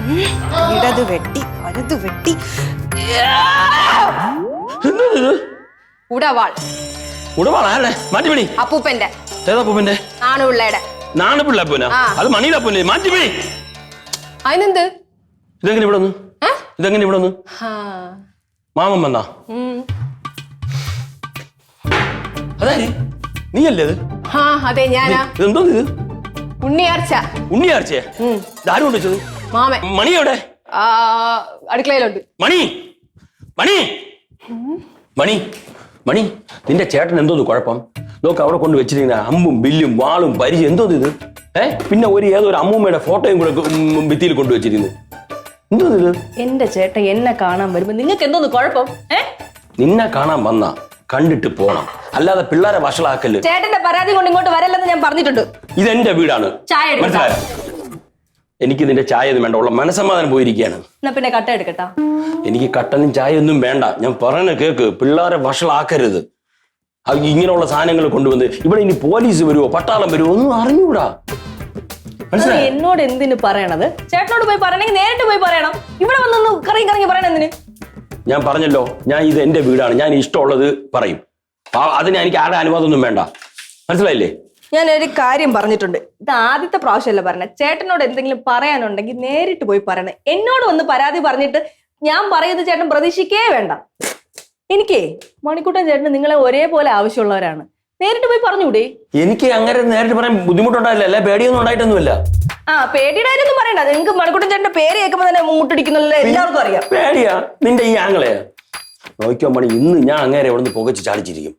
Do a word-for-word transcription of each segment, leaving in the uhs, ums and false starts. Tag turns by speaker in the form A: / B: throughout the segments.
A: ഇടത് വെട്ടി വലത് വെട്ടി ഉടവാൾ
B: ഉടവാളാ മാറ്റിപ്പിടി
A: അപ്പൂപ്പന്റെ
B: ഏതാ അപ്പൂപ്പന്റെ
A: നാണുപിള്ളയുടെ
B: നാണുപിള്ള അപ്പൂന അത് മണിയുടെ അപ്പൂനെ മാറ്റിപ്പിടി
A: അതിനെന്ത്
B: ഇതെങ്ങനെ ഇവിടെ വന്നു ഇതെങ്ങനെ ഇവിടെ വന്നു മാമൻ വന്നാ അതെ നീയല്ലേ അത്
A: അതെ ഞാനാ
B: ഇതെന്തോ ഇത്
A: ഉണ്ണിയാർച്ച
B: ഉണ്ണിയാർച്ചേ ആരും കൊണ്ട് വെച്ചത്
A: മാമൻ
B: മണി എവിടെ
A: അടുക്കളയിലുണ്ട്
B: മണി മണി മണി മണി നിന്റെ ചേട്ടൻ എന്തോന്ന് കുഴപ്പം നോക്ക് അവിടെ കൊണ്ട് വെച്ചിരിക്കുന്ന അമ്പും ബില്ലും വാളും പരിചയം എന്തോന്ന് ഇത് ഏ പിന്നെ ഒരു ഏതോ ഒരു അമ്മൂമ്മയുടെ ഫോട്ടോയും കൂടെ ഭിത്തിയിൽ കൊണ്ടുവച്ചിരുന്നു എന്തോന്ന് ഇത്
C: എന്റെ ചേട്ടൻ എന്നെ കാണാൻ വരുമ്പോ നിങ്ങൾക്ക് എന്തോന്ന് കുഴപ്പം ഏ
B: നിന്നെ കാണാൻ വന്ന കണ്ടിട്ട് പോണം അല്ലാതെ പിള്ളേരെ വഷളാക്കല്
C: ചേട്ടന്റെ പരാതി കൊണ്ട് ഇങ്ങോട്ട് വരല്ലെന്ന് ഞാൻ പറഞ്ഞിട്ടുണ്ട്
B: ഇതെന്റെ വീടാണ് മനസ്സിലായോ എനിക്ക് നിന്റെ ചായ ഒന്നും വേണ്ട ഉള്ള മനസ്സമാധാനം പോയിരിക്കുകയാണ്
C: എന്നാ പിന്നെ കട്ട എടുക്കട്ടാ
B: എനിക്ക് കട്ടനും ചായ ഒന്നും വേണ്ട ഞാൻ പറഞ്ഞ കേക്ക് പിള്ളേരെ വഷളാക്കരുത് ഇങ്ങനെയുള്ള സാധനങ്ങൾ കൊണ്ടുവന്ന് ഇവിടെ ഇനി പോലീസ് വരുമോ പട്ടാളം വരുമോ ഒന്നും അറിഞ്ഞൂടാ
C: എന്നോട് എന്തിനു പറയണത് ചേട്ടനോട് പോയി പറയണെങ്കിൽ നേരിട്ട് പോയി പറയണം ഇവിടെ വന്നൊന്ന് കറങ്ങി കറങ്ങി പറയണം എന്തിന്
B: ഞാൻ പറഞ്ഞല്ലോ ഞാൻ ഇത് എന്റെ വീടാണ് ഞാൻ ഇഷ്ടമുള്ളത് പറയും അതിന് എനിക്ക് ആരുടെ അനുവാദം ഒന്നും വേണ്ട മനസ്സിലായില്ലേ
C: ഞാൻ ഒരു കാര്യം പറഞ്ഞിട്ടുണ്ട് ഇത് ആദ്യത്തെ പ്രാവശ്യമല്ല പറഞ്ഞത് ചേട്ടനോട് എന്തെങ്കിലും പറയാനുണ്ടെങ്കിൽ നേരിട്ട് പോയി പറയണേ എന്നോട് വന്ന് പരാതി പറഞ്ഞിട്ട് ഞാൻ പറയുന്നത് ചേട്ടൻ പ്രതീക്ഷിക്കേ വേണ്ട എനിക്കേ മണിക്കൂട്ടൻ ചേട്ടന് നിങ്ങളെ ഒരേപോലെ ആവശ്യമുള്ളവരാണ് നേരിട്ട് പോയി പറഞ്ഞൂടെ
B: എനിക്ക് അങ്ങനെ നേരിട്ട് പറയാൻ ബുദ്ധിമുട്ടുണ്ടായില്ല അല്ലെ പേടിയൊന്നും ഉണ്ടായിട്ടൊന്നുമില്ല
C: ആ പേടിയുടെ കാര്യമൊന്നും പറയണ്ട നിങ്ങൾക്ക് മണിക്കൂട്ടൻ ചേട്ടന്റെ പേര് കേൾക്കുമ്പോ തന്നെ മുട്ടിടിക്കുന്നുള്ള എല്ലാവർക്കും അറിയാം
B: പേടിയാ നിന്റെ ഈ ആങ്ങളെയാ നോക്കിയോ മണി ഇന്ന് ഞാൻ അങ്ങേരെ ഇവിടെ നിന്ന് പുകച്ച് ചാടിച്ചിരിക്കും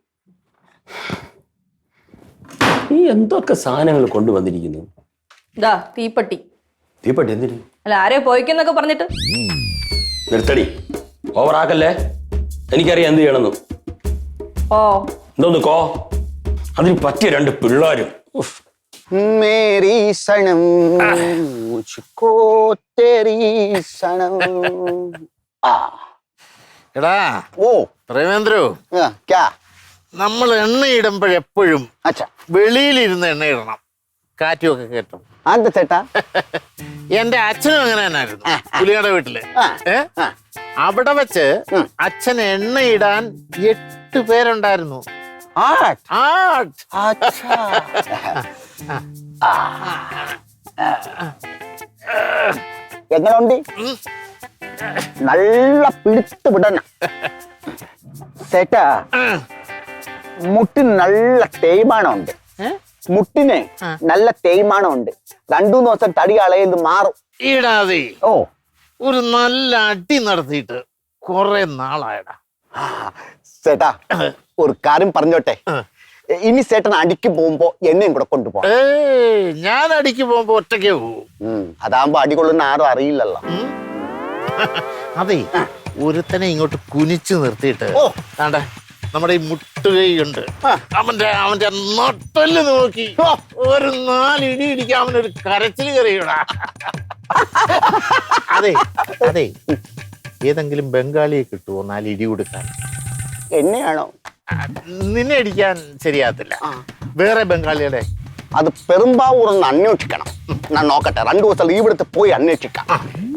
B: നീ എന്തൊക്കെ സാധനങ്ങൾ കൊണ്ടുവന്നിരിക്കുന്നു
C: ഇതാ തീപ്പട്ടി
B: തീപ്പട്ടി എന്തിനു
C: അല്ല ആരെയോ പോയിക്കെന്നൊക്കെ പറഞ്ഞിട്ട്
B: നിർത്തടി ഓവറാക്കല്ലേ എനിക്കറിയാം എന്ത് ചെയ്യണമെന്ന്
C: ഓ
B: എന്തോന്ന് കോ അതിന് പറ്റിയ രണ്ട് പിള്ളേരും
D: മേരി സണം മുझको तेरी സണം ആ
E: എടാ
D: ഓ
E: പ്രേമേന്ദ്രു
D: ക്യാ
E: നമ്മൾ എണ്ണ ഇടുമ്പോഴെപ്പോഴും
D: അച്ഛാ
E: വെളിയിലിരുന്ന് എണ്ണ ഇടണം കാറ്റുമൊക്കെ കേട്ടും
D: അതെന്താ ചേട്ടാ
E: എന്റെ അച്ഛനും അങ്ങനെ തന്നെയായിരുന്നു പുലിയുടെ വീട്ടില് ഏ അവിടെ വെച്ച് അച്ഛൻ എണ്ണ ഇടാൻ എട്ട് പേരുണ്ടായിരുന്നു
D: എങ്ങനുണ്ട് നല്ല പിടുത്ത് വിടണ ചേട്ടാ മുട്ടിന് നല്ല തേയ്മാനമുണ്ട് മുട്ടിന് നല്ല തേയ്മാനമുണ്ട് രണ്ടു ദിവസം തടി കളയത് മാറും
E: ഇടാതെ
D: ഓ
E: ഒരു നല്ല അടി നടത്തിയിട്ട് കുറെ നാളായടാ
D: ചേട്ടാ ഒരു കാര്യം പറഞ്ഞോട്ടെ ഇനി ചേട്ടൻ അടിക്ക് പോകുമ്പോ എന്നെയും കൂടെ കൊണ്ടുപോ
E: ഞാൻ അടിക്ക് പോകുമ്പോ ഒറ്റയ്ക്കേ പോവും
D: അതാകുമ്പോ അടി കൊള്ളുന്ന ആരും അറിയില്ലല്ലോ
E: അതെ ഒരുത്തനെ ഇങ്ങോട്ട് കുനിച്ചു നിർത്തിയിട്ട് ആണ്ടെ നമ്മുടെ ഈ മുട്ടുകൈയുണ്ട് അവന്റെ അവന്റെ നട്ടല് നോക്കി ഒരു നാലിടി ഇടിക്കാൻ അവനൊരു കരച്ചിൽ കയറിയടാ അതെ അതെ ഏതെങ്കിലും ബംഗാളിയെ കിട്ടുമോ നാല് ഇടി കൊടുക്കാൻ
D: എന്നെയാണോ
E: നിന്നെ അടിക്കാൻ ശരിയാകത്തില്ല വേറെ ബംഗാളിയുടെ
D: അത് പെരുമ്പാവൂർ ഒന്ന് അന്വേഷിക്കണം ഞാൻ നോക്കട്ടെ രണ്ടു ദിവസം ലീവ് എടുത്ത് പോയി അന്വേഷിക്കാം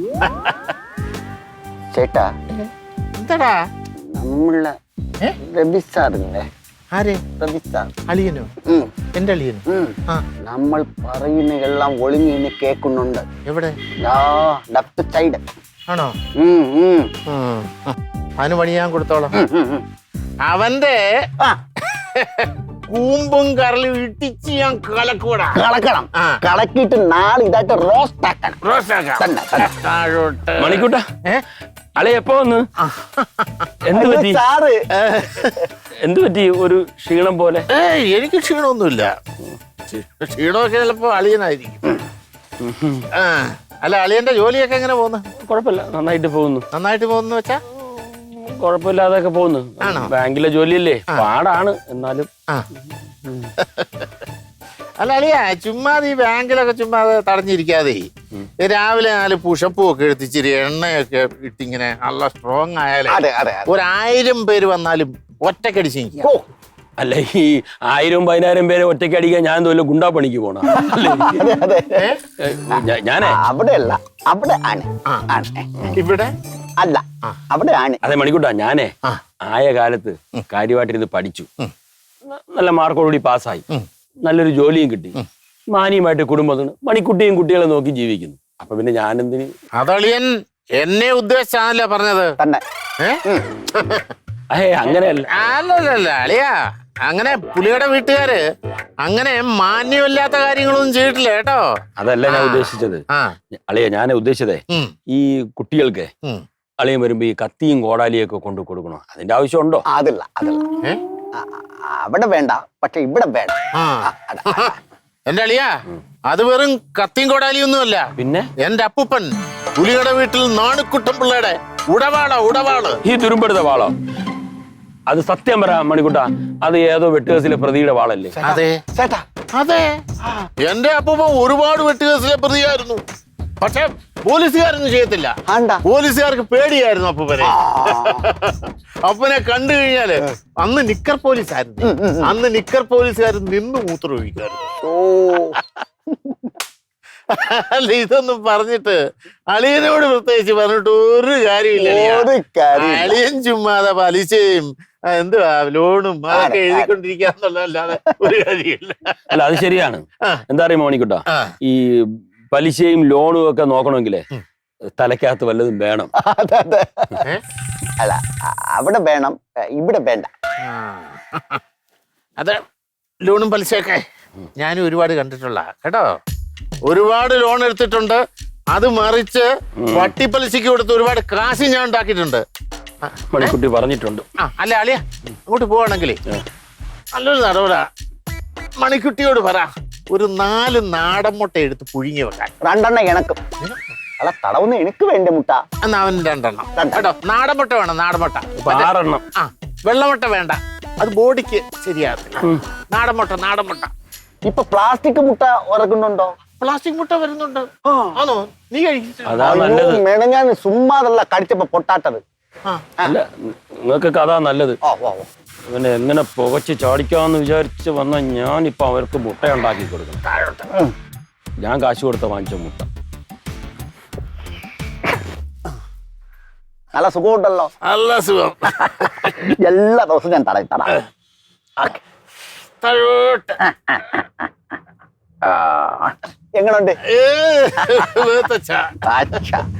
D: ചേട്ടാ
E: എന്താടാ
D: നമ്മളെ രവി സാറില്ലേ
E: ആരെ
D: രവി സാർ
E: അളിയനോ എന്റെ അളിയനോ
D: നമ്മൾ പറയുന്നതെല്ലാം ഒളിഞ്ഞിന്ന് കേൾക്കുന്നുണ്ട്
E: എവിടെ
D: ലെഫ്റ്റ് സൈഡ്
E: ആണോ അവന് പണി ഞാൻ കൊടുത്തോളാം അവന്റെ കൂമ്പും കറലും ഇട്ടിച്ച് ഞാൻ കലക്കൂടാ
D: കളക്കണം കളക്കിട്ട് നാളെ ഇതായിട്ട് റോസ്റ്റ് ആക്കണം
B: മണിക്കൂട്ട അളെ എപ്പോ വന്ന് എന്ത് പറ്റി
D: സാറ്
B: എന്ത് പറ്റി ഒരു ക്ഷീണം പോലെ
E: എനിക്ക് ക്ഷീണമൊന്നുമില്ല ക്ഷീണമൊക്കെ ചിലപ്പോ അളിയനായിരിക്കും അല്ല അളിയന്റെ ജോലിയൊക്കെ എങ്ങനെ പോകുന്നു
B: കുഴപ്പമില്ല നന്നായിട്ട് പോകുന്നു
E: നന്നായിട്ട് പോകുന്നു വെച്ചാ
B: കുഴപ്പമില്ലാതൊക്കെ പോകുന്നു ബാങ്കിലെ ജോലിയല്ലേ പാടാണ് എന്നാലും
E: അല്ല അളിയ ചുമ്മാ ഈ ബാങ്കിലൊക്കെ ചുമ്മാ തടഞ്ഞിരിക്കാതെ രാവിലെ നാല് പുഷപ്പും ഒക്കെ എടുത്തിച്ചിരി എണ്ണയൊക്കെ ഇട്ടിങ്ങനെ നല്ല സ്ട്രോങ് ആയാലേ ഒരായിരം പേര് വന്നാലും ഒറ്റക്കടിച്ച്
B: അല്ല ഈ ആയിരം പതിനായിരം പേരെ ഒറ്റയ്ക്ക് അടിക്കാൻ ഞാൻ എന്തോ ഗുണ്ടാ പണിക്ക് പോണ അല്ലേ?
D: അതെ അതെ
B: ഞാ- ഞാനേ
D: അവിടെ അല്ല അവിടെ ആണ് ആണ്.
E: ഇവിടെ
D: അല്ല അവിടെ ആണ്.
B: അതെ മണിക്കൂട്ടാ, ഞാനേ ആയ കാലത്ത് കാര്യമായിട്ടിരുന്ന് പഠിച്ചു, ന- നല്ല മാർക്കോടുകൂടി പാസ്സായി, നല്ലൊരു ജോലിയും കിട്ടി, മാനിയുമായിട്ട് കുടുംബത്തിന് മണിക്കുട്ടിയും കുട്ടികളെ നോക്കി ജീവിക്കുന്നു. അപ്പൊ പിന്നെ ഞാനെന്തിന്?
E: അതളിയൻ എന്നെ ഉദ്ദേശിച്ചാണല്ലോ പറഞ്ഞത്.
D: തന്നെ
E: ഏ?
B: അഹേ അങ്ങനെയല്ല.
E: അല്ലല്ല അളിയാ, അങ്ങനെ പുലിയുടെ വീട്ടുകാര് അങ്ങനെ മാന്യമില്ലാത്ത കാര്യങ്ങളൊന്നും ചെയ്തിട്ടില്ല കേട്ടോ.
B: അതല്ല ഞാൻ ഉദ്ദേശിച്ചത്.
E: ആ
B: അളിയ ഞാൻ ഉദ്ദേശിച്ചതേ
E: ഉം,
B: ഈ കുട്ടികൾക്ക്
E: ഉം.
B: അളിയൻ വരുമ്പോ ഈ കത്തിയും കോടാലിയും ഒക്കെ കൊണ്ടു കൊടുക്കണോ? അതിന്റെ ആവശ്യമുണ്ടോ?
D: അതില്ല അതില്ല
E: ഏ?
D: ആ, ആ, അവിടെ വേണ്ട, പക്ഷെ ഇവിടെ വേണം.
E: ആ. എന്റെ അളിയാ, അത് വെറും കത്തിയും കൊടാലിയൊന്നുമല്ല.
B: പിന്നെ
E: എന്റെ അപ്പൂപ്പൻ പുലിയുടെ വീട്ടിൽ നാണുക്കുട്ടൻ പിള്ളയുടെ ഉടവാള ഉടവാള്.
B: ഈ തുരുമ്പെടുത്ത വാളോ? അത് സത്യം പറ മണിക്കുട്ട, അത് ഏതോ വെട്ടുകേസിലെ പ്രതിയുടെ വാളല്ലേ?
E: അതെ
D: ചേട്ടാ
E: അതെ, എന്റെ അപ്പൂപ്പൻ ഒരുപാട് വെട്ടുകേസിലെ പ്രതിയായിരുന്നു. പക്ഷെ പോലീസുകാരൊന്നും ചെയ്യത്തില്ല.
D: ആണ്ടാ
E: പോലീസുകാർക്ക് പേടിയായിരുന്നു അപ്പൂപ്പനെ. അപ്പനെ കണ്ടു കഴിഞ്ഞാല് അന്ന് നിക്കർ പോലീസായിരുന്നു. അന്ന് നിക്കർ പോലീസുകാർ നിന്ന് മൂത്രമൊഴിക്കായിരുന്നു.
D: ഓ
E: അല്ല, ഇതൊന്നും പറഞ്ഞിട്ട് അളിയനോട് പ്രത്യേകിച്ച് പറഞ്ഞിട്ട് ഒരു കാര്യമില്ല.
D: ഒരു കാര്യമില്ല.
E: അളിയൻ ചുമ്മാതെ പലിശയും ആ, എന്തുവാ ലോണും അതൊക്കെ എഴുതിക്കൊണ്ടിരിക്കാന്നുള്ളതല്ലാതെ ഒരു കാര്യമില്ല.
B: അല്ല അത് ശരിയാണ്. എന്താ അറിയാമോ മണിക്കുട്ട,
E: ആ.
B: ഈ പലിശയും ലോണും ഒക്കെ നോക്കണമെങ്കിലേ തലക്കകത്ത് വല്ലതും വേണം.
D: അതെ അതെ
E: ഏ?
D: അല്ല അ- അവിടെ വേണം, ഇവിടെ വേണ്ട.
E: ആ. അത് ലോണും പലിശയൊക്കെ ഞാനും ഒരുപാട് കണ്ടിട്ടുള്ള കേട്ടോ. ഒരുപാട് ലോൺ എടുത്തിട്ടുണ്ട്, അത് മറിച്ച് വട്ടിപ്പലിശക്ക് കൊടുത്ത് ഒരുപാട് കാശ് ഞാൻ ഉണ്ടാക്കിയിട്ടുണ്ട്.
B: മണിക്കുട്ടി പറഞ്ഞിട്ടുണ്ട്.
E: ആ അല്ല അളിയ, അങ്ങോട്ട് പോവാണെങ്കിലേ നല്ലൊരു നടപടാ. മണിക്കുട്ടിയോട് പറ ഒരു നാല് നാടൻ മുട്ട എടുത്ത് പുഴുങ്ങി വെക്കാൻ.
D: രണ്ടെണ്ണം എനക്കും. അല്ല തടവുന്ന എനിക്ക് വേണ്ട മുട്ട.
E: എന്നാ അവൻ രണ്ടെണ്ണം കേട്ടോ. നാടൻ മുട്ട വേണം, നാടൻ മുട്ട.
B: ഇപ്പൊ ആറെണ്ണം.
E: ആ വെള്ളമുട്ട വേണ്ട, അത് ബോഡിക്ക് ശരിയാകത്തില്ല. നാടൻ മുട്ട, നാടൻ മുട്ട.
D: ഇപ്പൊ പ്ലാസ്റ്റിക് മുട്ട ഉറക്കുന്നുണ്ടോ?
E: പ്ലാസ്റ്റിക് മുട്ട വരുന്നുണ്ട്. ആണോ? നീ കഴിച്ചിട്ടില്ല?
B: അതാ നല്ലത്.
D: മെനഞ്ഞാൻ സുമ്മാതല്ല കടിച്ചപ്പോ പൊട്ടാട്ടത്.
E: ആ
B: അല്ല നിങ്ങൾക്കൊക്കെ അതാ നല്ലത്.
D: ഓ ഓ ഓ.
B: ഇവനെ എങ്ങനെ പുകച്ച് ചാടിക്കാന്ന് വിചാരിച്ച് വന്ന ഞാനിപ്പൊ അവർക്ക് മുട്ട ഉണ്ടാക്കി കൊടുക്കണം.
D: ഉം.
B: ഞാൻ കാശ് കൊടുത്ത വാങ്ങിച്ച മുട്ട.
D: നല്ല സുഖമുണ്ടല്ലോ.
E: നല്ല സുഖം.
D: എല്ലാ ദിവസവും ഞാൻ തടയി തട.
E: തഴോട്ട്.
D: എങ്ങനുണ്ട്?
E: ഏ, വേത്തച്ചാ.
D: അച്ഛാ